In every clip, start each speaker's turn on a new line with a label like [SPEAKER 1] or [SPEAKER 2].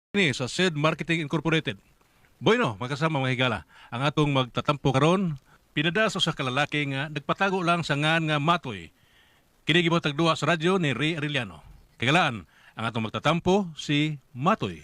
[SPEAKER 1] Ni sa SED Marketing Incorporated. Bueno, magkasama mga higala. Ang atong magtatampo karon, pinadaso sa kalalaki nga nagpatago lang sa ngan nga Matoy. Kini gibotag duha sa radyo ni Ray Arellano. Kagalaan, ang atong magtatampo si Matoy.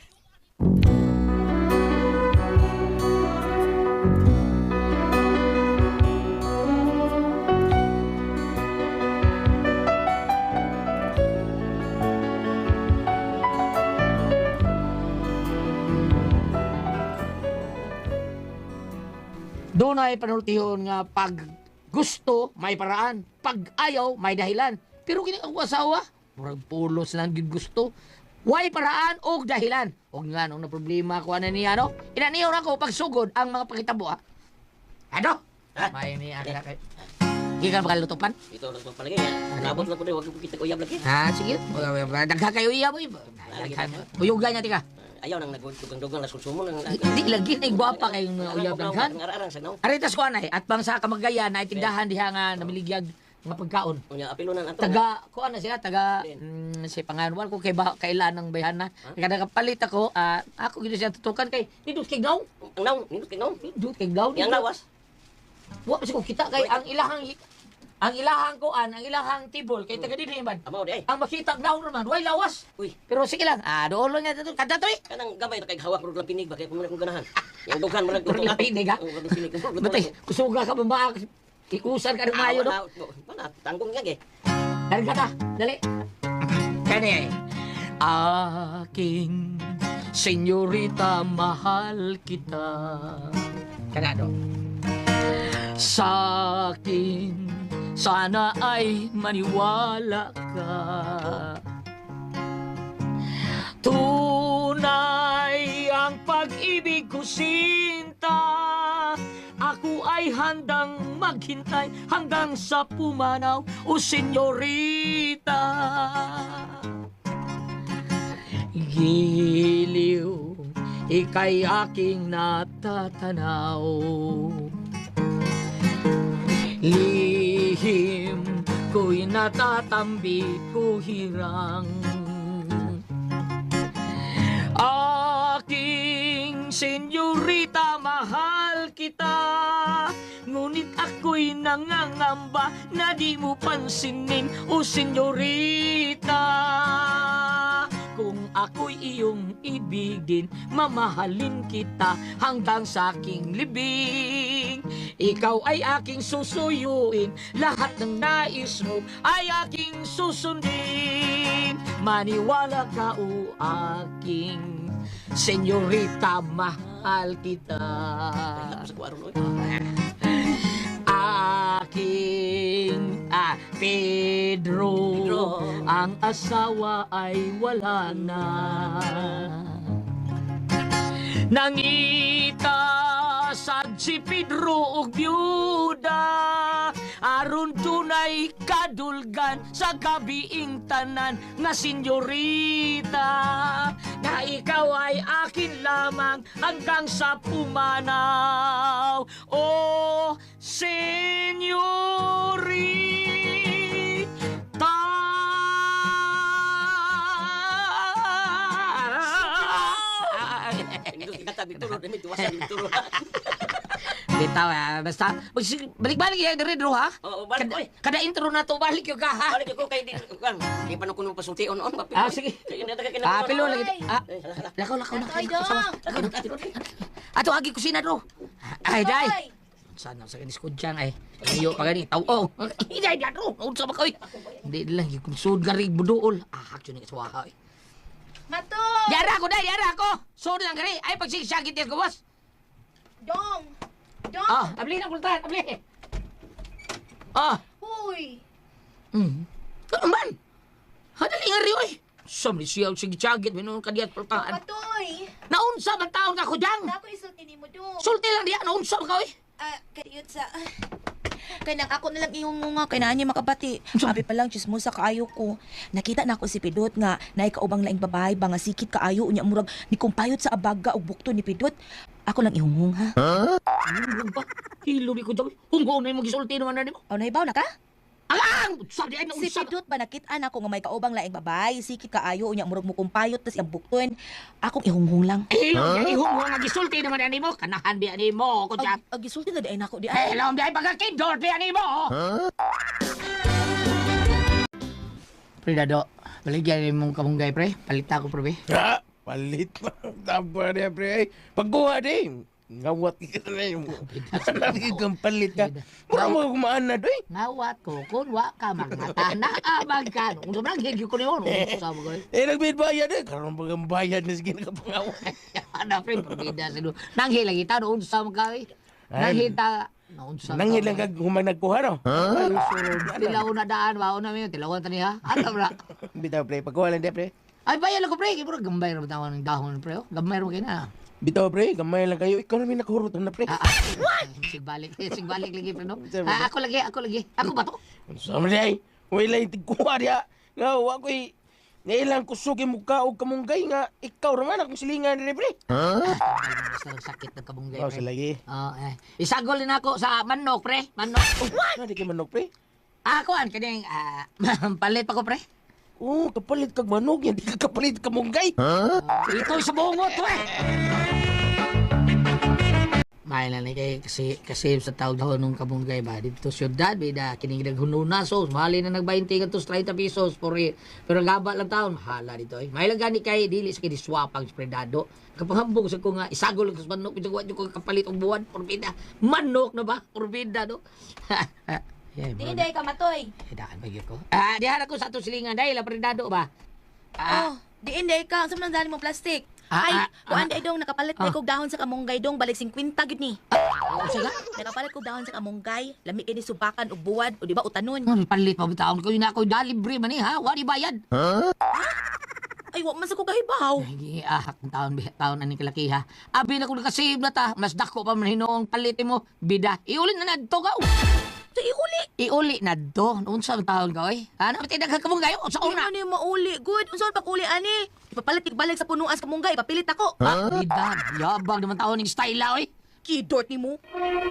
[SPEAKER 2] Doon ay panultihon nga pag gusto, may paraan. Pag ayaw, may dahilan. Pero kini ang asawa, murag pulos lang gid gusto. Way paraan o dahilan. Og nga nung na problema ko ana niya no. Inaniyo na ko pagsugod ang mga pakitabo ha. Ano?
[SPEAKER 3] Ha?
[SPEAKER 2] May ni ana kay. Gikan ba kalutupan?
[SPEAKER 3] Ito lang itong palagay. Nabot lang ko rin. Huwag kita uyab lagi.
[SPEAKER 2] Ha, sige. Dagha kayo iya mo. Uyugan niya tika.
[SPEAKER 3] Ayaw nang nagdugang-dugang na susumo.
[SPEAKER 2] Di lagi na gwapa kayong uyab daghan.
[SPEAKER 3] Ngararang sa naw.
[SPEAKER 2] Aritas ko anay at bang sa kamagayan na itindahan diha nga namiligyag nga pagkaon.
[SPEAKER 3] Unya, apilunan ato.
[SPEAKER 2] Taga ko ano siya taga si panganwal ko kay kailan ng bayana. Kada kapalit ako ako gid siya tutukan kay nindot kay daw.
[SPEAKER 3] Ang naw, nindot kay naw.
[SPEAKER 2] Nindot kay daw.
[SPEAKER 3] Yang lawas.
[SPEAKER 2] Wa pa ko kita kay ang ilahang kuan, ang ilahang tibol kay taga dinhi man.
[SPEAKER 3] Amaw di ay.
[SPEAKER 2] Ang makita daw naman way lawas.
[SPEAKER 3] Uy,
[SPEAKER 2] Pero sige lang. Doon lang niya kada to eh.
[SPEAKER 3] kanang gamay na kay hawak mo lang pinig ba kay kung ganahan. Yang dughan mo lang
[SPEAKER 2] Pero lang pinig, ha?
[SPEAKER 3] Oo, pinig.
[SPEAKER 2] Batay, kusuga ka ba ikusan ka ng mayo no?
[SPEAKER 3] Mana, tanggong nga eh.
[SPEAKER 2] Karga ta, dali. Kani. Aking senyorita, mahal kita. Kanado. Sa akin, sana ay maniwala ka. Tunay ang pag-ibig ko, sinta. Ako ay handang maghintay hanggang sa pumanaw, o senyorita. Giliw, ika'y aking natatanaw. Lihim ko'y natatambi ko hirang. Aking senyorita, mahal kita. Ngunit ako'y nangangamba na di mo pansinin, o senyorita. Kung ako'y iyong ibigin, mamahalin kita hanggang sa aking libing. Ikaw ay aking susuyuin, lahat ng nais mo ay aking susundin. Maniwala ka, o aking senyorita, mahal kita.
[SPEAKER 3] Sa kuwaro no.
[SPEAKER 2] Aking Pedro, ang asawa ay wala na. Nangita sad si Pedro og byuda, aron tunay kadulgan sa gabiing tanan nga senyorita. Na ikaw ay akin lamang hanggang sa pumanaw, o senyorita.
[SPEAKER 3] Nindot kita bituro, demi tuwasan bituro.
[SPEAKER 2] Bitaw basta balik-balik ya dari dro ha.
[SPEAKER 3] Oo, balik ko eh.
[SPEAKER 2] Kada intro na to balik yung ka ha.
[SPEAKER 3] Balik ko kay di kan. Di pa kuno pasulti on.
[SPEAKER 2] Sige.
[SPEAKER 3] Sige.
[SPEAKER 2] Pilo lagi. Lakaw.
[SPEAKER 4] Ay, dong!
[SPEAKER 2] Ato agi kusina dro. Ay dai. Sana sa kanis ko dyan ay. Iyo pa gani taw. Oh. Iday da dro. Unsa ba koy? Hindi lang yung sud gari buduol. Actually ni kaswaha.
[SPEAKER 4] Mato!
[SPEAKER 2] Yara ko dai, yara ko. Sud lang gari. Ay pagsigsagit yes ko boss.
[SPEAKER 4] Dong! Dong!
[SPEAKER 2] Abli na kultahan, abli.
[SPEAKER 4] Huy!
[SPEAKER 2] Ano man? Hadali nga riyo eh. Samli siya sige chagit minun kadiyat pultahan.
[SPEAKER 4] Matoy!
[SPEAKER 2] Naunsa man taon ka ko dyan?
[SPEAKER 4] Ako isulti ni mo, Dong.
[SPEAKER 2] Sulti lang diya, naunsa man ka eh.
[SPEAKER 4] Kayot sa... Kaya ako na lang ihungunga, kaya na niya makabati. Abi pa lang, chismosa kaayo ko. Nakita na ako si Pidot nga, na ikaubang laing babae ba nga sikit kaayo, unya murag ni kumpayot sa abaga o bukto ni Pidot. Ako lang ihungung, ha?
[SPEAKER 2] Hilo ba? Hilo ni ko dyan. Hunggo na yung mag-isulti naman na ni mo.
[SPEAKER 4] O, naibaw na ka?
[SPEAKER 2] Ala! Bang! Sabi ay
[SPEAKER 4] Si
[SPEAKER 2] naunsa.
[SPEAKER 4] Pidot ba nakita na ko nga may kaubang laing babae, sikit kaayo unya murag mo kumpayot tas iyang bukton. Akong ihunghong lang.
[SPEAKER 2] Ihong mo nga gisulti naman ani mo. Kanahan bi ani mo ko diyan.
[SPEAKER 4] Gisulti na di ay nako di
[SPEAKER 2] Eh,
[SPEAKER 4] ay.
[SPEAKER 2] alam bi ay pagkakindor bi ani mo. Pre Dado, baligyan mong kamunggay pre. Palita ko pre.
[SPEAKER 5] Ha? Palit pa. Tapa niya, pre. Ay, pagkuha din. Ngawat ka na yung lagi kang palit ka. Mura mo kumaan na, doy.
[SPEAKER 2] Ngawat ko kun wa ka magmata na abag ka. Unsa man gyud ko niyon. Unsa mo ko.
[SPEAKER 5] Nagbid bayad eh. Karoon pa kang bayad na sige nakapangawa.
[SPEAKER 2] Ana pre pabida sa do. Nanghi lagi ta no unsa mo ka. Nanghi ta unsa.
[SPEAKER 5] Nanghilang kag humang nagkuha, no?
[SPEAKER 2] Tilaw na daan ba una mi tilawan tani ha. Ano bra?
[SPEAKER 5] Bitaw, pre. Pagkuha lang, pre.
[SPEAKER 2] Ay bayan ko pre, kibro gambay ra tawon ng dahon pre. Gambay ra kay na.
[SPEAKER 5] Bitaw, pre. Gamay lang kayo. Ikaw namin nakahurutan na, pre.
[SPEAKER 2] Sigbalik lagi pre no. Ako lagi. Ako ba to?
[SPEAKER 5] Sama niya, ay. Wala yung tigkuha niya. Nga, ako'y ngailang kusukin mo ka o kamunggay nga. Ikaw naman akong silingan rin, pre.
[SPEAKER 2] Basta sakit ng kabunggay
[SPEAKER 5] Oh,
[SPEAKER 2] pre.
[SPEAKER 5] sa lagi.
[SPEAKER 2] Isagol din ako sa manok pre. Manok.
[SPEAKER 5] Nadi kay manok, pre.
[SPEAKER 2] Ako an kaning palit pa ko pre.
[SPEAKER 5] Oo, kapalit kag manok yan. Di ka kapalit kamunggay.
[SPEAKER 2] Ito sa bungot to eh. May na ni kay kasi sa tawag daw nung kabunggay ba dito syudad bida kining naghununa so mali na nag-20 kantos 30 pesos pero gaba lang taon mahala dito eh. May lang gani kay dili sa kini swapang spredado. Kapahambog sa ko nga isagol ko sa manok bitaw ko kapalit og buwan porbida. Manok na ba? Porbida no. Yeah,
[SPEAKER 4] Di day ka matoy.
[SPEAKER 2] daan ba ko? Dihan ako sa atong silingan dahil apredado ba?
[SPEAKER 4] Oh, di inday ka. Sa man dali mo plastic. Ay, kuan day dong nakapalit day kog dahon sa kamunggay dong balik 50 gid ni.
[SPEAKER 2] Sige.
[SPEAKER 4] Nakapalit kog dahon sa kamunggay, lami kini subakan og buwad o di ba utanon.
[SPEAKER 2] Palit pa bitaon ko yun ako dalibre man ha. Wali bayad.
[SPEAKER 4] Ay, wa man sa ko kahibaw.
[SPEAKER 2] Hindi taon ani kalaki ha. Abi na ko nakasave na ta. Mas dako pa man hinoong palit mo. Bida. Iuli na nadto ka.
[SPEAKER 4] Sa iuli.
[SPEAKER 2] Iuli nadto. Unsa ang taon ka oy? Ano tinag kamunggay sa
[SPEAKER 4] Di
[SPEAKER 2] una?
[SPEAKER 4] man ni mauli. Good. Unsa pa uli ani? Ipapalit balik sa punuan sa kamunggay, ipapilit ako.
[SPEAKER 2] Bida. Yabang naman taon ning style oy.
[SPEAKER 4] Kidort ni mo.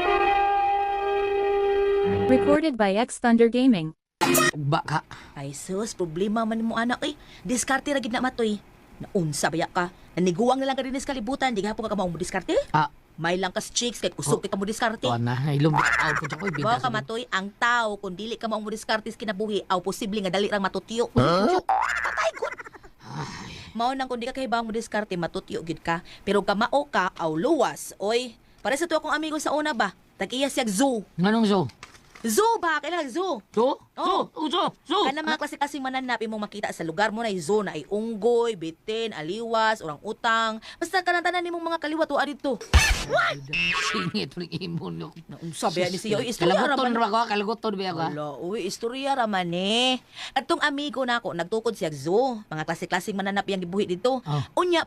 [SPEAKER 6] Recorded by X Thunder Gaming.
[SPEAKER 2] Ugba ka.
[SPEAKER 4] Ay sus, problema man mo anak eh. Diskarte ra gid na matoy. Naunsa baya ka? Naniguang na lang ka din sa kalibutan, di gahapon ka maong mo diskarte? May lang kas chicks kay kusog kita mo diskarte.
[SPEAKER 2] Tuan na. Ilong taon ko ko bida.
[SPEAKER 4] Wa ka matoy ang tao kung dili ka maong mo diskarte sa kinabuhi, aw posible nga dali rang matutiyo. Patay gud. Mao nang kung di ka kahibang mo diskarte matutiyo gid ka, pero kamao ka aw luwas. Oy, para sa to akong amigo sa una ba? Tag-iya siya zoo.
[SPEAKER 2] Nganong so?
[SPEAKER 4] Zoo ba? Kailangan zoo.
[SPEAKER 2] So?
[SPEAKER 4] Oh.
[SPEAKER 2] So.
[SPEAKER 4] Kana mga klase-klaseng mananap imong makita sa lugar mo na zoo na ay unggoy, bitin, aliwas, orang utang. Basta kanang-tanan nimong mga kaliwat wa dito.
[SPEAKER 2] Singit ulit imon.
[SPEAKER 4] Naunsa ba ni siya? Uy, istorya ra
[SPEAKER 2] Kalaguton
[SPEAKER 4] man.
[SPEAKER 2] ra ko. Kalaguton ba ako?
[SPEAKER 4] Wala, uy, istorya ra man eh. Atong amigo nako nagtukod siya zoo. Mga klase-klaseng mananap yang gibuhi dito.
[SPEAKER 2] Oh.
[SPEAKER 4] Unya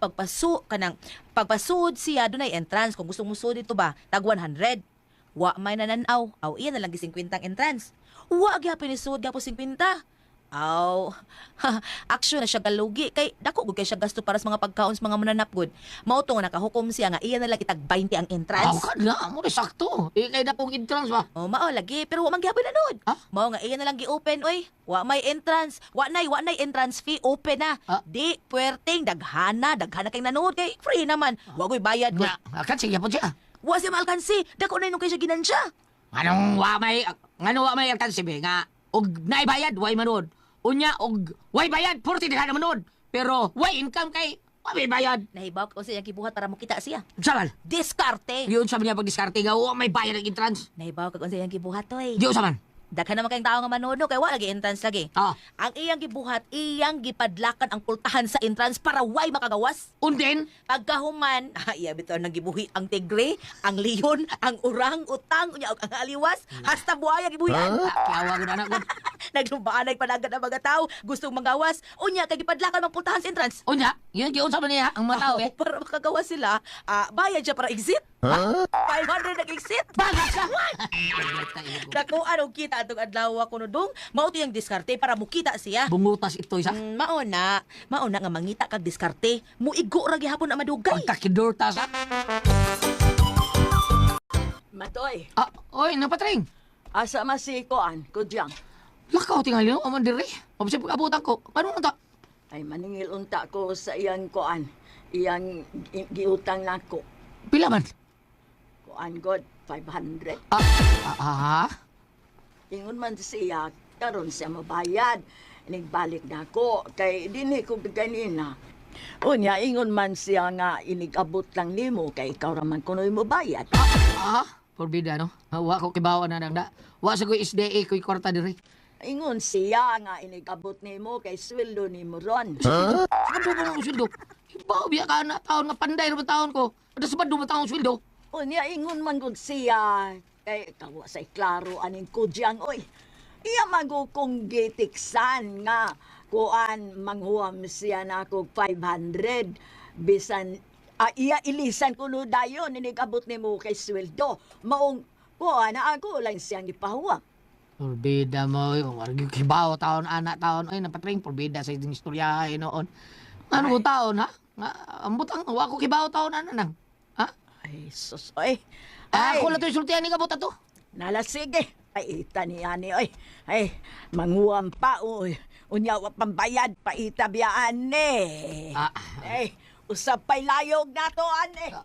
[SPEAKER 4] pagpasud siya dunay entrance kung gusto mo sud dito ba, tag 100. Wa may nananaw. Aw iya na lang gi 50 ang entrance. Wa gyapon ni sud gapo 50. Aw, action na siya galugi kay dako gud kay siya gasto para sa mga pagkaon sa mga mananap gud. Mao to nga nakahukom siya nga iya na lang itag 20 ang
[SPEAKER 2] Aw
[SPEAKER 4] entrance.
[SPEAKER 2] ka na. Mo sakto. Kay na pong entrance ba?
[SPEAKER 4] Oh, mao lagi pero wa man gyapon nanood.
[SPEAKER 2] Ha?
[SPEAKER 4] Mao nga iya na lang gi-open oy. Wa may entrance. Wa nay entrance fee open na.
[SPEAKER 2] Ah.
[SPEAKER 4] Di puwerteng daghana kay nanood kay free naman. Wa koy bayad ko.
[SPEAKER 2] Nga. Akan sige po siya.
[SPEAKER 4] Wa siya malkansi. Dako na nung kay siya ginansya.
[SPEAKER 2] Anong wa may alkansi be nga og naibayad way manood. Unya og way bayad purti na manood. Pero way income kay wa may bayad.
[SPEAKER 4] Nahibaw ko siya gibuhat para makita siya.
[SPEAKER 2] Saman.
[SPEAKER 4] Diskarte.
[SPEAKER 2] Yun sa niya pag diskarte nga wa may bayad ang entrance.
[SPEAKER 4] Nahibaw ko siya gibuhat oy.
[SPEAKER 2] Di saman.
[SPEAKER 4] Daghan naman kayong tao nga manood no kay wa lagi entrance lagi.
[SPEAKER 2] Ah.
[SPEAKER 4] Ang iyang gibuhat, iyang gipadlakan ang pultahan sa entrance para way makagawas.
[SPEAKER 2] Undin.
[SPEAKER 4] Pagkahuman, iya bitaw nang gibuhi ang tigre, ang leon, ang urang, utang, unya og ang aliwas, hasta buhaya gibuhian.
[SPEAKER 2] Kiawa ko anak ko.
[SPEAKER 4] Naglumbaan panagat ang mga tao, gustong magawas, unya kay gipadlakan ang pultahan sa entrance.
[SPEAKER 2] Unya, yun giun sa niya ang mga tao eh.
[SPEAKER 4] Para makagawas sila, bayad siya para exit. 500 nag-exit.
[SPEAKER 2] Bagas ka.
[SPEAKER 4] Nakuha og kita atong adlaw ko no dong, mao to yung diskarte para mukita siya.
[SPEAKER 2] Bungutas ito isa.
[SPEAKER 4] Mauna nga mangita kag diskarte, muigo ra gihapon na madugay.
[SPEAKER 2] Pagkakidurtas.
[SPEAKER 7] Matoy,
[SPEAKER 2] Oy, napatring.
[SPEAKER 7] asa masikoan, kudyang.
[SPEAKER 2] Lakaw tingali no, aman dire. Mabasay pag-abutan ko. Ano na ta?
[SPEAKER 7] Ay maningil unta ko sa iyang kuan. Iyang giutang nako.
[SPEAKER 2] Pila man?
[SPEAKER 7] Kuan god 500. Ingon man siya karon siya mabayad. Inigbalik nako kay dinhi ko ganina. Unya ingon man siya nga inigabot lang nimo kay ikaw ra man kunoy mo bayad.
[SPEAKER 2] Forbida no. Wa ko kibawa na nang da. Wa sa ko SDA ko kwarta dire.
[SPEAKER 7] Ingon siya nga inigabot nimo kay sweldo nimo ron.
[SPEAKER 2] Ano ba ang sweldo? Ibaw biya ka na taon nga panday ra taon ko. Ada sabad do taon sweldo.
[SPEAKER 7] Unya ingon man gud siya kay kawa sa klaro aning kudyang oy. Iya mago kong gitiksan nga kuan manghuam siya na kog 500 bisan iya ilisan kuno dayon inigabot nimo kay sweldo. Maong kuan na ako lang siyang gipahuwam.
[SPEAKER 2] Forbida mo, yung argi kibaw taon anak taon ay napatring forbida sa iting istorya noon. Ano ko taon ha? Nga ambutang wa ko kibaw taon ana nang. Ha?
[SPEAKER 7] Ay sus oy.
[SPEAKER 2] Ako la to sultian ni kabot ato.
[SPEAKER 7] Nala sige. Ay ita ni ani oy. Ay manguam pa oy. Unya wa pambayad pa ita biyaan ni. Ay usap pay layog nato ani.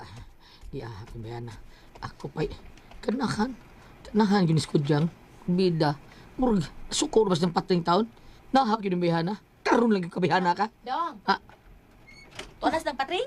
[SPEAKER 2] Ya, kumbayan na. Ako pa'y kanahan. Kanahan ginis ko diyang. Bida. Murag, sukor bas ng patring taon. Nahak yun yung bihana. Karoon lang yung kabihana ka.
[SPEAKER 4] Dong. Tuanas ng patring?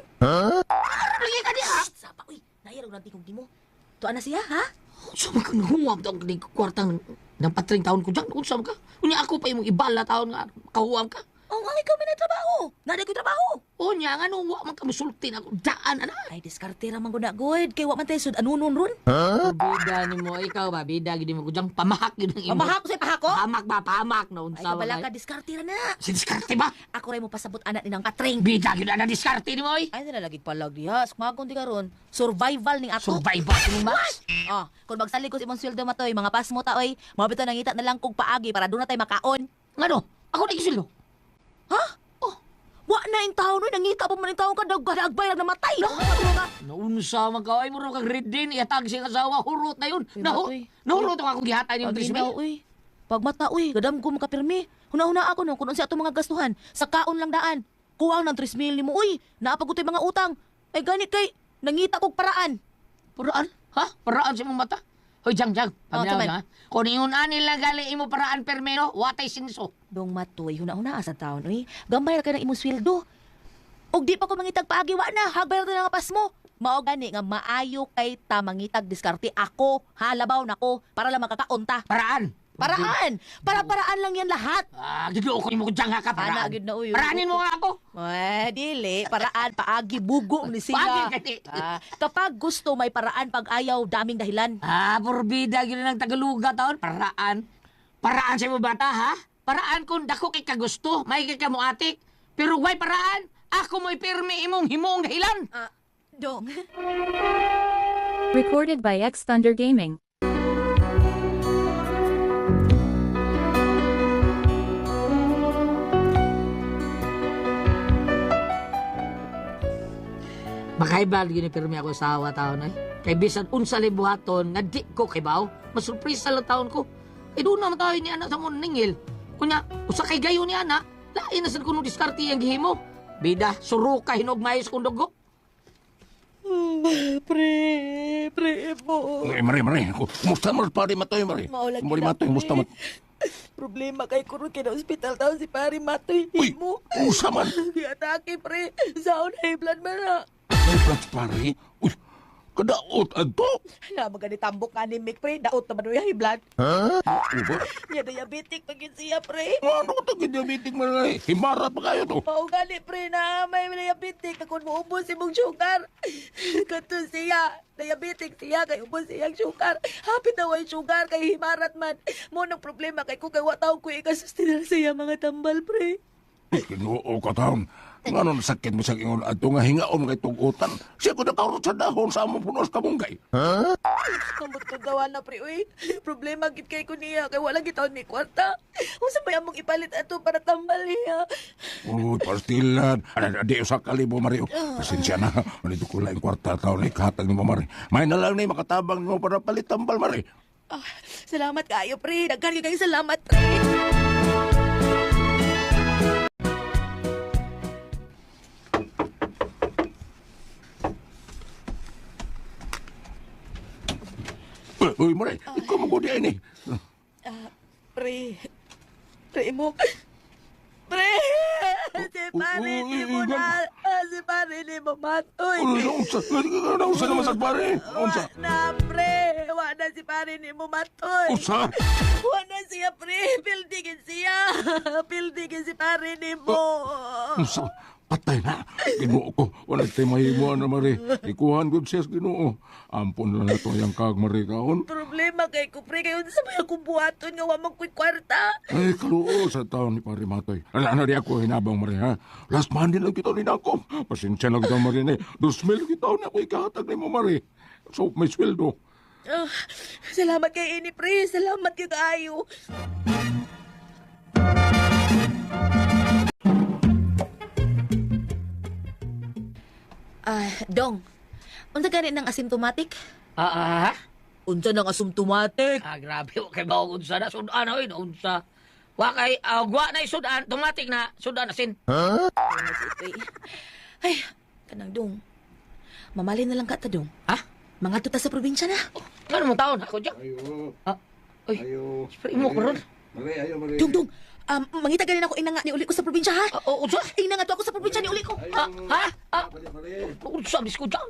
[SPEAKER 2] Lagi ka niya, ha?
[SPEAKER 4] Sapa, uy. Nayarog ng tingog mo. Tuan na siya, ha?
[SPEAKER 2] Saan ka nahuwag daw ng kwartang ng patring taon ko dyan? Saan ka? Unya ako pa yung ibala taon nga. Kahuwag ka.
[SPEAKER 4] Oh, nga ikaw may trabaho. Naday ko trabaho.
[SPEAKER 2] Unya nga nung wa man ka musulti na ako. Daan, ana.
[SPEAKER 4] Ay, diskarte raman ko na, good. Kaya wa man tayo sud anunon ron.
[SPEAKER 2] Bida ni mo, ikaw ba? Bida, gini mo ko dyan. Pamahak yun ang imo.
[SPEAKER 4] Pamahak ko sa'yo, pahako?
[SPEAKER 2] Pahamak ba? Pahamak na.
[SPEAKER 4] Ay,
[SPEAKER 2] Unsa
[SPEAKER 4] kabala
[SPEAKER 2] ba?
[SPEAKER 4] ka, diskarte ra na.
[SPEAKER 2] Si diskarte ba?
[SPEAKER 4] Ako rin mo pasabot anak ni ng patring.
[SPEAKER 2] Bida, gina na diskarte ni mo, eh.
[SPEAKER 4] Ay, nalalagig palag diha. Smakon di karon. Survival ning ato.
[SPEAKER 2] Survival ni Max.
[SPEAKER 4] Oh, kung magsali ko si imong sweldo matoy, mga pasmo ta oy, mabito nangita na lang kog paagi para doon na tayo makaon.
[SPEAKER 2] Ngano? Ako na isildo.
[SPEAKER 4] Ha? Oh, wa na yung taon oy, nangita pa man yung taon ka dagbay na namatay.
[SPEAKER 2] Naunsa man ka, ay mo kang red din, iatag siyang asawa, hurot na yun.
[SPEAKER 4] Uy, Matoy.
[SPEAKER 2] Nahurot ang akong gihatan yung
[SPEAKER 4] Paginaw
[SPEAKER 2] trismil.
[SPEAKER 4] oy. Pagmata oy, gadam ko makapirmi. Huna-huna ako no, kung sa ato mga gastuhan, sa kaon lang daan. Kuwang ng 3,000 mo oy, naapagutoy mga utang. Ay ganit kay nangita kog paraan.
[SPEAKER 2] Paraan? Ha? Paraan sa imong mata? Hoy, Jang. Paminaw
[SPEAKER 4] Tuman.
[SPEAKER 2] ha? Kung ingon anil lang gali imo paraan permeno, watay sinso.
[SPEAKER 4] Dong matoy, huna-huna sa taon oy. Gambay ra ka ng imong sweldo. Og di pa ko mangitag paagi wa na, hagbay ra nga pas mo. Mao gani nga maayo kay ta mangitag diskarte ako, halabaw nako para lang makakaunta.
[SPEAKER 2] Paraan?
[SPEAKER 4] Paraan! Para-paraan lang yan lahat.
[SPEAKER 2] Giduo ko imo ko Jang ha ka,
[SPEAKER 4] Ana,
[SPEAKER 2] paraan.
[SPEAKER 4] gid na, uy.
[SPEAKER 2] Paraanin mo nga ako.
[SPEAKER 4] Dili. Paraan, paagi, bugo ni siya.
[SPEAKER 2] Paagi, kati.
[SPEAKER 4] Kapag gusto, may paraan. Pag ayaw, daming dahilan.
[SPEAKER 2] Porbida, gina ng Tagaluga taon. Paraan. Paraan sa imo bata, ha? Paraan kung dako kay kagusto, may kay kamuatik. Pero why paraan? Ako mo'y pirmi imong himong dahilan.
[SPEAKER 4] Dong.
[SPEAKER 6] Recorded by X Thunder Gaming.
[SPEAKER 2] Makaibal yun pirmi ako sa awa taon ay. Kay bisan unsa libuhaton nga di ko kibaw, masurpresa lang taon ko. Doon naman tayo ni anak sa mong ningil. Kunya, usa kay gayo ni anak, lain na sa kuno diskarte ang gihimo. Bida, suro ka hinugmayos kong dugo.
[SPEAKER 7] Pre po.
[SPEAKER 5] Mari. Kumusta mo pare matoy, mari?
[SPEAKER 7] Maulag
[SPEAKER 5] Mari
[SPEAKER 7] kita,
[SPEAKER 5] matoy, kumusta mo?
[SPEAKER 7] Problema kay kurun kina ospital taon si Pari Matoy.
[SPEAKER 5] Uy,
[SPEAKER 7] Mo.
[SPEAKER 5] kumusta man?
[SPEAKER 7] Giatake pre. Saon high blood man na.
[SPEAKER 5] May plans pare? Uy, kadaot adto?
[SPEAKER 7] Na magani tambok ka ni Mick pre. Daot naman yung high blood.
[SPEAKER 5] Ha? Uba?
[SPEAKER 7] Niya diabetic pagin siya pre.
[SPEAKER 5] Ano ko tagi diabetic man ay? Himara pa kayo to.
[SPEAKER 7] Mao gani pre na may diabetic akon moubos imong sugar. Kato siya, diabetic siya kay ubos siyang sugar. Hapit na way sugar kay himarat man. Mo nang problema kay ko kay wa taw ko ikasustinar siya mga tambal pre.
[SPEAKER 5] Kinuo ka taon. Nga nun sakit mo sa ingon ato nga hingaon kay tugutan. Siya ko nakarot sa dahon sa among punos kamunggay.
[SPEAKER 7] Kamot ko gawa na pre uy. Problema gid kay ko niya kay wala gitaon ni kwarta. Unsa may among ipalit ato para tambal niya.
[SPEAKER 5] Uy, pastilan. Di usa kalibo, Mari. Pasensya na. Manito ko lang kwarta taon na ikahatag ni mo, Mari. May na lang na makatabang mo para palit tambal, Mari.
[SPEAKER 4] Salamat kayo, pre. Daghan kayo salamat, pre.
[SPEAKER 5] Uy, Maray, ikaw magudi ni.
[SPEAKER 4] Pre. Pre mo. Pre! Si pare ni mo na. Si pare ni mo matoy.
[SPEAKER 5] Naunsa naman sa pare? Unsa?
[SPEAKER 4] Na, pre. Wala si pare ni mo matoy.
[SPEAKER 5] Unsa?
[SPEAKER 4] Wala siya, pre. Pildigin siya. Pildigin si pare ni mo.
[SPEAKER 5] Unsa? Patay na. Ginoo ko. Wala tayo mahimo na, Mari. Ikuhan ko siya sa Ginoo. Ampon na na itong yung kag, Mari, kaon.
[SPEAKER 4] Problema kay ko, pre. Kayo sa mga kumbuhaton nga wamang ko'y kwarta.
[SPEAKER 5] Ay, kaluo sa taon ni Pari Matoy. Ala di ako hinabang, Mari, ha? Last Monday lang kita rin ako. Pasensya lang kita, Mari, ni. 2,000 kita na ako ikahatag ni mo, Mari. So, may sweldo.
[SPEAKER 4] Salamat kay ini, pre. Salamat kay kaayo. Dong. Unsa gani ng asymptomatic? Unsa ng asymptomatic?
[SPEAKER 2] Grabe, kay ba unsa na sudan oy, unsa. Wa kay gwa na sudan, automatic na sudan asin.
[SPEAKER 4] Ay, kanang dong. Mamalin na lang ka ta, dong.
[SPEAKER 2] Ha?
[SPEAKER 4] Mga tuta sa probinsya na.
[SPEAKER 2] Ano mo taon ako diyan?
[SPEAKER 5] Ayo.
[SPEAKER 2] Oy.
[SPEAKER 5] Ayo.
[SPEAKER 2] Spray mo karon.
[SPEAKER 5] Mari, ayo, Mari.
[SPEAKER 4] Dong. Mangita ganin ako inanga ni uli ko sa probinsya, ha?
[SPEAKER 2] Unsa?
[SPEAKER 4] Inanga to ako sa probinsya ni uli ko.
[SPEAKER 2] Ha? Unsa bisko diyan?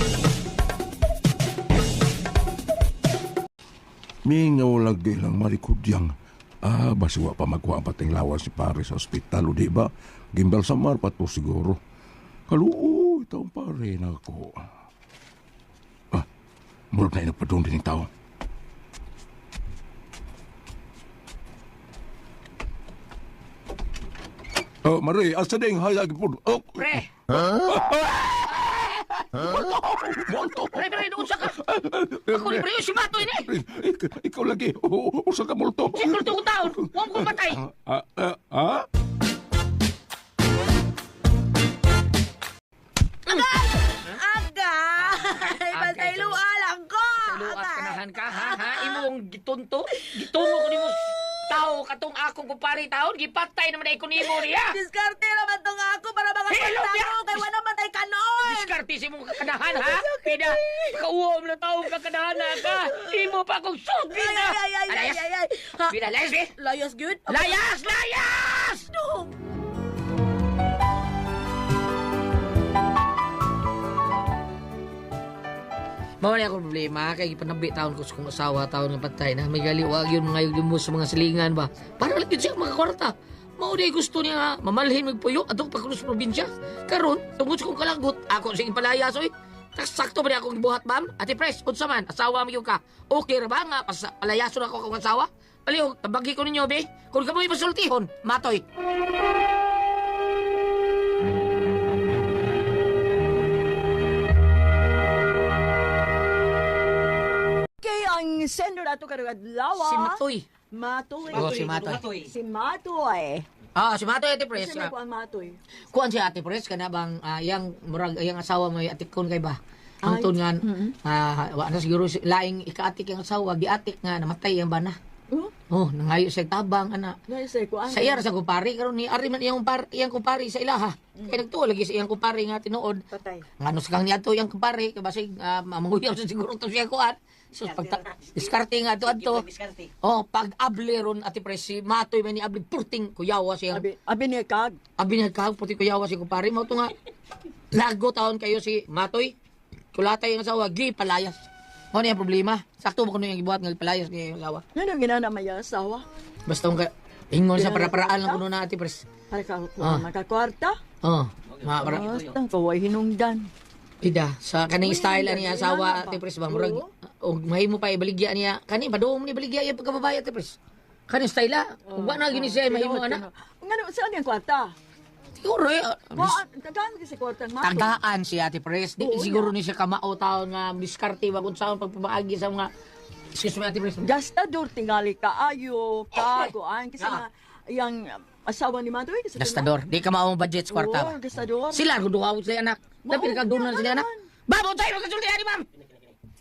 [SPEAKER 5] Mingaw lagi lang marikudyang. Basiwa pa magkuha ang pating lawas si pare sa ospital, o di ba? Gimbal sa mar pa to siguro. Kaluo, itaw pare na ako. Murag na inagpadong din yung tao. Mari, asa ding hayag po.
[SPEAKER 2] Pre.
[SPEAKER 5] Monto!
[SPEAKER 2] Pre, unsa ka? Ako ni pre si Mato ini.
[SPEAKER 5] Ikaw lagi. Usa ka multo.
[SPEAKER 2] Siguro to taon. Wa ko patay.
[SPEAKER 4] Agay! Bantay lualang ko!
[SPEAKER 2] Luat kanahan ka ha? Imong gitunto? Gitungo ko nimo tao katong akong kupari taon gipatay naman ay ko nimo niya.
[SPEAKER 4] Diskarte naman tong ako para mga
[SPEAKER 2] Hello,
[SPEAKER 4] pagtao
[SPEAKER 2] ya!
[SPEAKER 4] kay wala man tay kanon!
[SPEAKER 2] Diskarte si mong kakanahan ha? Kaya kauwam na taong kakanahan na ka. Imo pa akong sugi na.
[SPEAKER 4] Ay! Ha?
[SPEAKER 2] Bida, layas be?
[SPEAKER 4] Layas good?
[SPEAKER 2] Layas! Layas!
[SPEAKER 4] Dong!
[SPEAKER 2] Mao ni ako problema kay panabi taon ko sa kong asawa taon nga patay na may galiwag yun mga yung sa mga silingan ba. Para lang yun siya mga kwarta. Mao di gusto niya nga mamalhin magpuyo atong pagkulo sa probinsya. Karon tungod sa kong kalagot ako sige palayas oy. Sakto ba niya akong gibuhat ma'am? Ate Pres, unsa man asawa mo ka. Okay ra ba nga palayason ako akong asawa? Aliw, tabagi ko ninyo be. Kung kamoy masultihon, matoy.
[SPEAKER 7] Kay ang sender ato karong adlaw.
[SPEAKER 2] Si Matoy.
[SPEAKER 7] Matoy.
[SPEAKER 2] Oh, si Matoy.
[SPEAKER 7] Si Matoy.
[SPEAKER 2] Si Matoy Ate Pres.
[SPEAKER 7] Sino ko ang Matoy?
[SPEAKER 2] Kuan si Ate Pres kana bang yang murag yang asawa mo atikon kay ba? Hangtod nga wa na siguro laing ikaatik ang asawa giatik nga namatay ang bana. Nangayo sa tabang ana.
[SPEAKER 7] Naisay ko ang.
[SPEAKER 2] Sa iya ra sa kumpari karon ni ari man iyang kumpari sa ilaha. Kay nagtuo lagi sa iyang kumpari nga tinuod.
[SPEAKER 7] Patay.
[SPEAKER 2] Ngano sa kang niadto iyang kumpari kay basig mamuyaw sa siguro to siya kuan. So diskarte nga adto. Pag abli ron Ate Pres si Matoy man ni abli purting kuyawa siya.
[SPEAKER 7] Abi ni kag.
[SPEAKER 2] Abi na kag puti kuyawa si kumpari mo to nga. Lago taon kayo si Matoy. Kulatay ang asawa gi palayas. Ano yung problema? Sakto mo kuno yung ibuhat ng palayas ng asawa.
[SPEAKER 7] Ano ginana may asawa?
[SPEAKER 2] Basta ka ingon sa para-paraan lang kuno na Ate Pres.
[SPEAKER 7] Para ka makakwarta? Basta kaway hinungdan.
[SPEAKER 2] Ida, sa kaning style ani asawa Ate Pres ba murag mahimo pa ibaligya niya. Kani padung ni baligya yung pagkababay Ate Pres. Kaning style ug wa na gini siya mahimo ana.
[SPEAKER 7] Ngano saan yung kwarta?
[SPEAKER 2] Siguro
[SPEAKER 7] Tagaan kasi kwarta ng Matoy.
[SPEAKER 2] tagaan si Ate Pres. Di siguro ni siya kamao taon nga diskarte ba kung saan pagpabaagi sa mga excuse me Ate Pres.
[SPEAKER 7] Gastador tingali kaayo, kaguan kasi nga yang asawa ni Matoy.
[SPEAKER 2] Gastador, di ka mao budget sa kwarta.
[SPEAKER 7] Oo, gastador.
[SPEAKER 2] Sila duha sila anak. Dapat ka doon sila anak. Babo tayo magkasulti ani ma'am.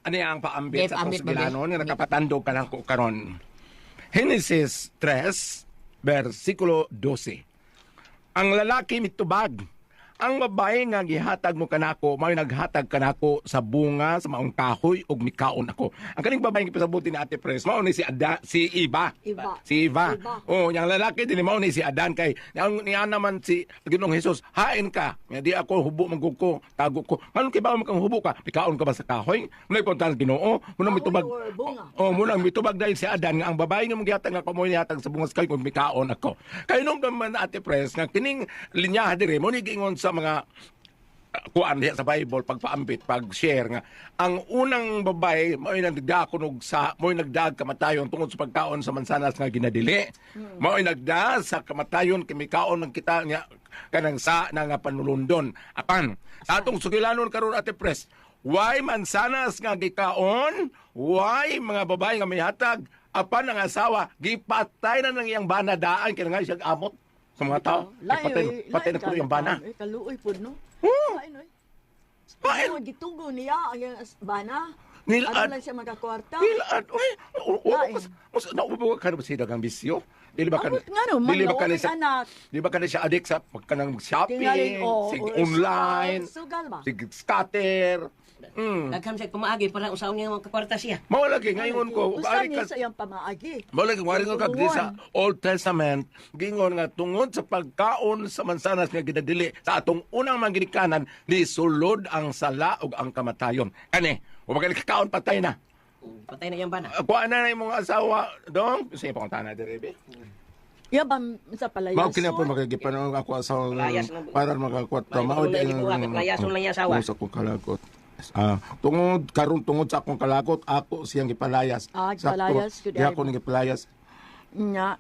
[SPEAKER 5] Ano ang paambit
[SPEAKER 2] Yes,
[SPEAKER 5] sa
[SPEAKER 2] ambit,
[SPEAKER 5] itong sigilano
[SPEAKER 2] babe.
[SPEAKER 5] nga nakapatandog ka lang ko karon. Genesis 3, versikulo 12. Ang lalaki mitubag, ang babae nga gihatag mo kanako, may naghatag kanako sa bunga sa maong kahoy ug mikaon ako. Ang kaning babae nga pasabuti ni Ate Pres, mao ni si Eva.
[SPEAKER 7] Iba.
[SPEAKER 5] Si Eva.
[SPEAKER 7] Iba.
[SPEAKER 5] Oh, yang lalaki din mao ni si Adan kay ang niya naman si Ginoong Hesus, hain ka. Nga di ako hubo magguko, tago ko. Nganong kay ba makang hubo ka? Pikaon ka ba sa kahoy? Muna ipunta sa Ginoo, muna
[SPEAKER 7] Kahoy
[SPEAKER 5] mitubag.
[SPEAKER 7] or bunga?
[SPEAKER 5] Oh, muna mitubag dahil si Adan nga ang babae nga mong gihatag nga kamoy nihatag sa bungas kay kung mikaon ako. Kay nung naman Ate Pres nga kining linya dire mo ni giingon sa mga kuan diha sa Bible pagpaambit pag-share nga ang unang babae mo'y nagdakunog sa mo'y nagdag kamatayon tungod sa pagkaon sa mansanas nga ginadili mo'y nagda sa kamatayon kimikaon ng kita nga kanang sa nga panulundon apan sa atong sugilanon karon Ate Pres why mansanas nga gikaon why mga babae nga mihatag apan ang asawa gipatay na ng iyang banadaan kaya nga siya amot sa mga tao patay na ko yung bana.
[SPEAKER 7] Kaluoy po, no?
[SPEAKER 5] Oh.
[SPEAKER 7] Lain, oy.
[SPEAKER 5] Lain.
[SPEAKER 7] Ano, gitugo niya ang bana?
[SPEAKER 5] Nilaan.
[SPEAKER 7] Ano lang siya magkakwarta?
[SPEAKER 5] Nilaan. Uy,
[SPEAKER 7] Lain.
[SPEAKER 5] naubo ka na ba siya dagang bisyo? Dili ba ka
[SPEAKER 7] Abot nga no,
[SPEAKER 5] dili ba
[SPEAKER 7] manlaw
[SPEAKER 5] ka na
[SPEAKER 7] may
[SPEAKER 5] siya,
[SPEAKER 7] anak.
[SPEAKER 5] di ba ka na siya addict sa pagkanang shopping,
[SPEAKER 7] Tingaling,
[SPEAKER 5] sig online,
[SPEAKER 7] Sugal ba?
[SPEAKER 5] sig scatter.
[SPEAKER 3] Dagham siya kumaagi para usaon niya magkakwarta siya.
[SPEAKER 5] Mao lagi ngayon ko,
[SPEAKER 7] Usa
[SPEAKER 5] ari
[SPEAKER 7] niya
[SPEAKER 5] ka
[SPEAKER 7] sa iyang pamaagi.
[SPEAKER 5] Mao lagi wari ko kag di sa Old Testament gingon nga tungod sa pagkaon sa mansanas nga ginadili sa atong unang mga ginikanan ni sulod ang sala ug ang kamatayon. Kani, wa ka kakaon patay na.
[SPEAKER 3] Patay na yung bana.
[SPEAKER 5] Kuha na imong asawa dong, sa ipong tana dire be.
[SPEAKER 7] Iya ba sa palayas?
[SPEAKER 5] Mao kini po magigipanon ako sa
[SPEAKER 3] Playas na-
[SPEAKER 5] para makakwarta
[SPEAKER 3] Playas
[SPEAKER 5] mao
[SPEAKER 3] na gibuhat, playason lang yung asawa.
[SPEAKER 5] Sa akong kalakot. Tungod sa akong kalakot ako siyang gipalayas.
[SPEAKER 7] Gipalayas, good
[SPEAKER 5] Di ako
[SPEAKER 7] idea.
[SPEAKER 5] ni gipalayas.
[SPEAKER 7] Nya.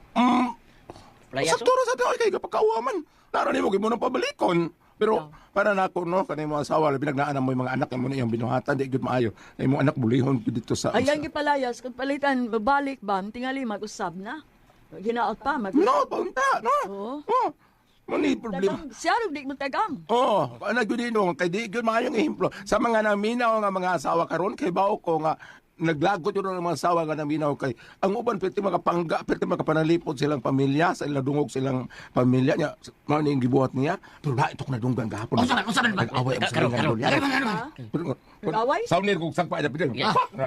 [SPEAKER 3] Playas,
[SPEAKER 5] Sa turo sa tayo kay kapagkauaman. Nara nimo gyud mo nang pabalikon. Pero para nako no kanay mo asawa labi nagnaan mo yung mga anak mo na iyang binuhatan di gyud maayo. Ay mo anak bulihon gyud dito sa
[SPEAKER 7] Ayan gipalayas kung palitan babalik ba tingali mag-usab na. Ginaot pa mag.
[SPEAKER 5] No, punta, no.
[SPEAKER 7] Oo.
[SPEAKER 5] Oh. Mani problema.
[SPEAKER 7] Tagang, siya rin di mo tagang.
[SPEAKER 5] Oh, ano gyud dino kay di gyud maayong ehemplo sa mga naminaw nga mga asawa karon kay bao ko nga naglagot yun ng mga asawa nga naminaw kay ang uban pwede makapangga pwede makapanalipod silang pamilya sa ilang dungog silang pamilya niya mao ni gibuhat niya pero na itok na dunggan gahapon
[SPEAKER 2] Usaban ba?
[SPEAKER 5] nag-away ang
[SPEAKER 3] Karon,
[SPEAKER 5] silang
[SPEAKER 3] karon.
[SPEAKER 7] Nag-away?
[SPEAKER 5] Saunir kong sangpa na pideng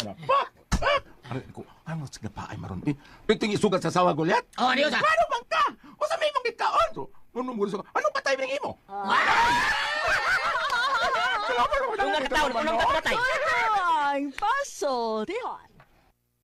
[SPEAKER 5] ano sige pa ay maron piting isugat sa asawa Goliath
[SPEAKER 2] Oh, ano yun, sa?
[SPEAKER 5] ano bang ka o sa may mong gikaon so ano pa tayo ng imo
[SPEAKER 3] Unang kataon, unang katay.
[SPEAKER 7] Ang paso. Tihon.